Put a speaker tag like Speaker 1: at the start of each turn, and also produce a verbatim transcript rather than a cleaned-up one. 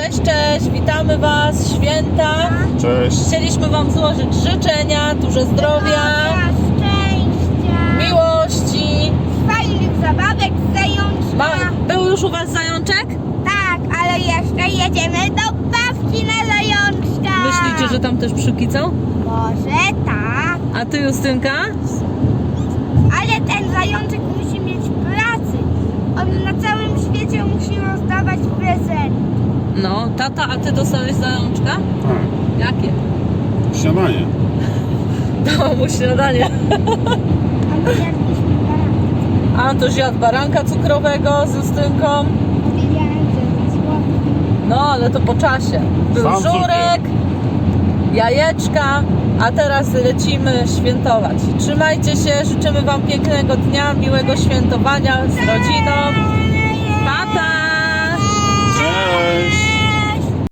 Speaker 1: Cześć, cześć, witamy Was, święta.
Speaker 2: Cześć.
Speaker 1: Chcieliśmy Wam złożyć życzenia, dużo zdrowia,
Speaker 3: szczęścia,
Speaker 1: miłości.
Speaker 3: fajnych zabawek z zajączka.
Speaker 1: Ma, był już u Was zajączek?
Speaker 3: Tak, ale jeszcze jedziemy do bawki na zajączka.
Speaker 1: Myślicie, że tam też przykicą?
Speaker 3: Może tak,
Speaker 1: A Ty, Justynka?
Speaker 3: ale ten zajączek musi mieć pracy. On na całym świecie musi rozdawać prezenty.
Speaker 1: No, tata, a Ty dostałeś zajączka?
Speaker 2: A,
Speaker 1: Jakie?
Speaker 2: śniadanie.
Speaker 1: Dała mu śniadanie.
Speaker 3: A my jadliśmy baranka.
Speaker 1: Antoś jadł baranka cukrowego z Justynką.
Speaker 3: Powiedziałem, że za słodko.
Speaker 1: No, ale to po czasie. Był
Speaker 2: Sam
Speaker 1: żurek, jajeczka, a teraz lecimy świętować. Trzymajcie się, życzymy Wam pięknego dnia, miłego świętowania z rodziną. Pa, pa!
Speaker 2: Cześć.